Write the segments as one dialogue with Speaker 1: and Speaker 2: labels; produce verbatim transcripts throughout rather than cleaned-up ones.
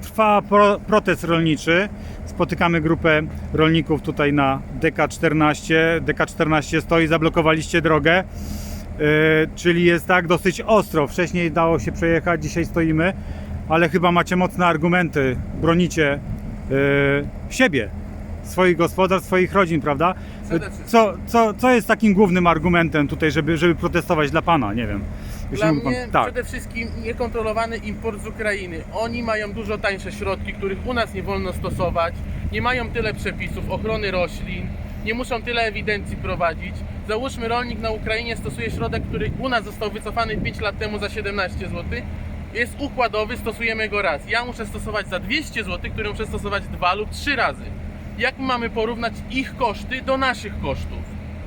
Speaker 1: trwa pro, protest rolniczy. Spotykamy grupę rolników tutaj na D K czternaście. D K czternaście stoi, zablokowaliście drogę. Yy, czyli jest tak dosyć ostro. Wcześniej dało się przejechać, dzisiaj stoimy, ale chyba macie mocne argumenty. Bronicie yy, siebie, swoich gospodarstw, swoich rodzin, prawda? Co, co, co jest takim głównym argumentem tutaj, żeby, żeby protestować dla Pana? Nie wiem.
Speaker 2: Dla
Speaker 1: Jeśli mógł
Speaker 2: mnie
Speaker 1: pan... tak.
Speaker 2: przede wszystkim niekontrolowany import z Ukrainy. Oni mają dużo tańsze środki, których u nas nie wolno stosować. Nie mają tyle przepisów ochrony roślin. Nie muszą tyle ewidencji prowadzić. Załóżmy, rolnik na Ukrainie stosuje środek, który u nas został wycofany pięć lat temu za siedemnaście złotych. Jest układowy, stosujemy go raz. Ja muszę stosować za dwieście złotych, który muszę stosować dwa lub trzy razy. Jak mamy porównać ich koszty do naszych kosztów?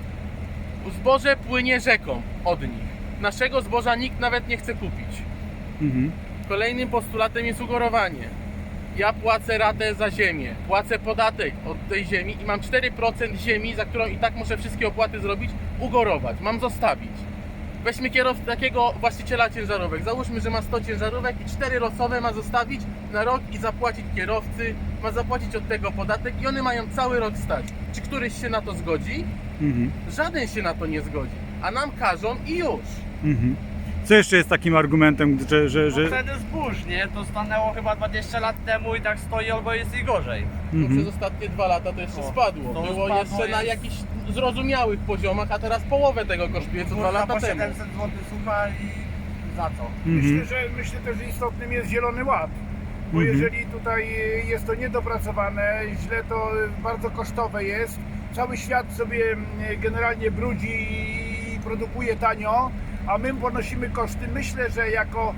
Speaker 2: Zboże płynie rzeką od nich. Naszego zboża nikt nawet nie chce kupić.
Speaker 1: Mhm.
Speaker 2: Kolejnym postulatem jest ugorowanie. Ja płacę ratę za ziemię, płacę podatek od tej ziemi i mam cztery procent ziemi, za którą i tak muszę wszystkie opłaty zrobić, ugorować, mam zostawić. Weźmy kierowcę, takiego właściciela ciężarówek. Załóżmy, że ma sto ciężarówek i cztery losowe ma zostawić na rok i zapłacić kierowcy, ma zapłacić od tego podatek i one mają cały rok stać. Czy któryś się na to zgodzi?
Speaker 1: Mhm.
Speaker 2: Żaden się na to nie zgodzi, a nam każą i już.
Speaker 1: Mhm. Co jeszcze jest takim argumentem, że... że, że...
Speaker 3: No ceny zbóż, nie? To stanęło chyba dwadzieścia lat temu i tak stoi albo jest i gorzej.
Speaker 2: No
Speaker 1: Mhm.
Speaker 2: przez ostatnie dwa lata to jeszcze
Speaker 3: O,
Speaker 2: spadło.
Speaker 3: to
Speaker 2: Było
Speaker 3: spadło
Speaker 2: jeszcze na
Speaker 3: jest-
Speaker 2: jakichś zrozumiałych poziomach, a teraz połowę tego kosztuje co dwa
Speaker 3: Kurwa,
Speaker 2: lata
Speaker 3: po
Speaker 2: temu.
Speaker 3: siedemset złotych sucha i za co?
Speaker 1: Mhm.
Speaker 4: Myślę, że, myślę też, że istotnym jest Zielony Ład. Bo
Speaker 1: Mhm.
Speaker 4: jeżeli tutaj jest to niedopracowane, źle to bardzo kosztowe jest, cały świat sobie generalnie brudzi i produkuje tanio, a my ponosimy koszty. Myślę, że jako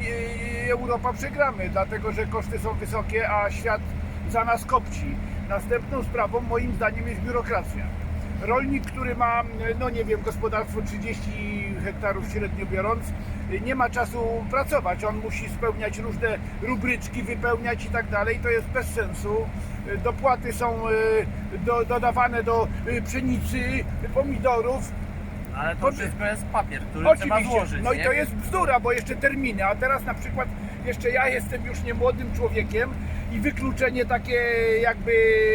Speaker 4: Europa przegramy, dlatego że koszty są wysokie, a świat za nas kopci. Następną sprawą moim zdaniem jest biurokracja. Rolnik, który ma, no nie wiem, gospodarstwo trzydzieści hektarów średnio biorąc, nie ma czasu pracować. On musi spełniać różne rubryczki, wypełniać i tak dalej. To jest bez sensu. Dopłaty są y, do, dodawane do y, pszenicy, pomidorów.
Speaker 3: Ale to
Speaker 4: Pod-
Speaker 3: wszystko jest papier, który trzeba
Speaker 4: Oczywiście,
Speaker 3: złożyć,
Speaker 4: no i
Speaker 3: nie?
Speaker 4: to jest bzdura, bo jeszcze terminy, a teraz na przykład jeszcze ja jestem już nie młodym człowiekiem i wykluczenie takie jakby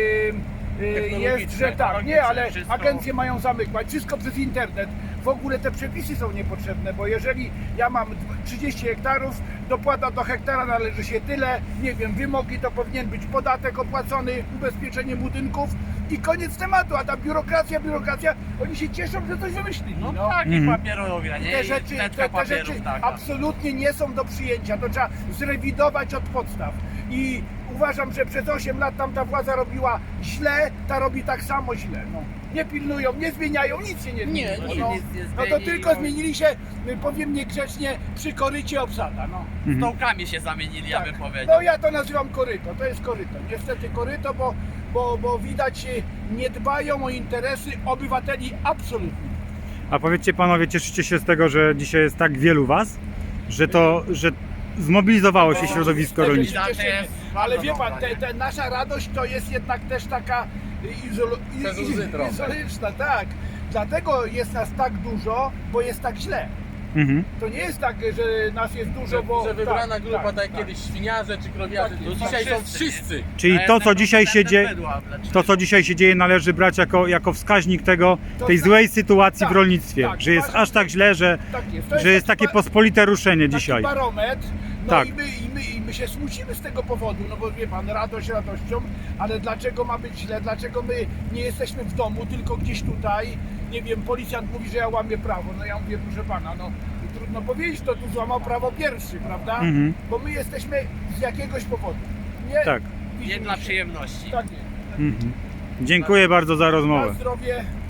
Speaker 4: y, jest,
Speaker 2: Technologiczne,
Speaker 4: że tak, nie, ale
Speaker 3: wszystko.
Speaker 4: agencje mają zamykać, wszystko przez internet. W ogóle te przepisy są niepotrzebne, bo jeżeli ja mam trzydzieści hektarów, dopłata do hektara należy się tyle, nie wiem, wymogi to powinien być podatek opłacony, ubezpieczenie budynków i koniec tematu, a ta biurokracja, biurokracja, oni się cieszą, że coś wymyślili.
Speaker 3: No,
Speaker 4: no.
Speaker 3: tak,
Speaker 1: Mhm.
Speaker 3: i papierowia, nie?
Speaker 4: Te
Speaker 3: I
Speaker 4: rzeczy,
Speaker 3: teczka
Speaker 4: te, te
Speaker 3: papierów
Speaker 4: rzeczy
Speaker 3: taka.
Speaker 4: absolutnie nie są do przyjęcia. To trzeba zrewidować od podstaw. I uważam, że przez osiem lat tamta władza robiła źle, ta robi tak samo źle. No. Nie pilnują, nie zmieniają, nic się nie zmieni.
Speaker 2: Nie,
Speaker 4: no,
Speaker 2: nic
Speaker 4: no,
Speaker 3: nie
Speaker 4: no to
Speaker 3: zmieni,
Speaker 4: tylko
Speaker 3: no.
Speaker 4: zmienili się, y, powiem niegrzecznie, przy korycie obsada. No.
Speaker 1: Mhm.
Speaker 3: Stołkami się zamienili, ja bym powiedział.
Speaker 4: No ja to nazywam koryto, to jest koryto. Niestety koryto, bo, bo, bo widać y, nie dbają o interesy obywateli absolutnie.
Speaker 1: A powiedzcie panowie, cieszycie się z tego, że dzisiaj jest tak wielu was? Że to, że zmobilizowało się
Speaker 4: No,
Speaker 1: środowisko
Speaker 4: tego
Speaker 1: rolnicze?
Speaker 4: się cieszymy.
Speaker 3: jest
Speaker 4: Ale
Speaker 3: bardzo
Speaker 4: wie pan,
Speaker 3: dobra,
Speaker 4: te,
Speaker 3: nie?
Speaker 4: te, nasza radość to jest jednak też taka izolo, i-
Speaker 2: Bez
Speaker 4: i-
Speaker 2: łzy trochę.
Speaker 4: izolyczna, tak. Dlatego jest nas tak dużo, bo jest tak źle.
Speaker 1: Mhm.
Speaker 4: To nie jest tak, że nas jest dużo,
Speaker 2: Że,
Speaker 4: bo...
Speaker 2: że wybrana
Speaker 4: tak,
Speaker 2: grupa, tak,
Speaker 4: tak,
Speaker 2: jak kiedyś świniarze czy krowiarze,
Speaker 4: Tak
Speaker 2: to
Speaker 4: jest.
Speaker 2: dzisiaj
Speaker 3: Tak,
Speaker 2: są
Speaker 3: wszyscy,
Speaker 2: wszyscy.
Speaker 1: Czyli
Speaker 3: A
Speaker 1: to,
Speaker 3: jestem
Speaker 1: co dzisiaj się
Speaker 3: konsumentem
Speaker 1: dzieje,
Speaker 3: bydła, lecz-
Speaker 1: to, co dzisiaj się dzieje, należy brać jako, jako wskaźnik tego,
Speaker 4: To
Speaker 1: tej
Speaker 4: tak-
Speaker 1: złej sytuacji w
Speaker 4: tak,
Speaker 1: rolnictwie.
Speaker 4: tak,
Speaker 1: Że jest
Speaker 4: uważam,
Speaker 1: aż tak źle, że,
Speaker 4: tak jest. To
Speaker 1: że jest
Speaker 4: taki
Speaker 1: takie
Speaker 4: ba-
Speaker 1: pospolite ruszenie
Speaker 4: taki
Speaker 1: dzisiaj.
Speaker 4: barometr, no
Speaker 1: Tak.
Speaker 4: i, my, i, my, i my się smucimy z tego powodu, no bo wie pan, radość radością, ale dlaczego ma być źle, dlaczego my nie jesteśmy w domu, tylko gdzieś tutaj, nie wiem, policjant mówi, że ja łamię prawo, no ja mówię, proszę pana, no trudno powiedzieć, to tu złamał prawo pierwszy, prawda?
Speaker 1: Mhm.
Speaker 4: Bo my jesteśmy z jakiegoś powodu. Nie,
Speaker 1: Tak.
Speaker 4: widzimy
Speaker 3: Nie dla
Speaker 4: się.
Speaker 3: przyjemności.
Speaker 4: Tak jest.
Speaker 1: Mhm. Dziękuję bardzo za
Speaker 4: Na
Speaker 1: rozmowę.
Speaker 4: zdrowie.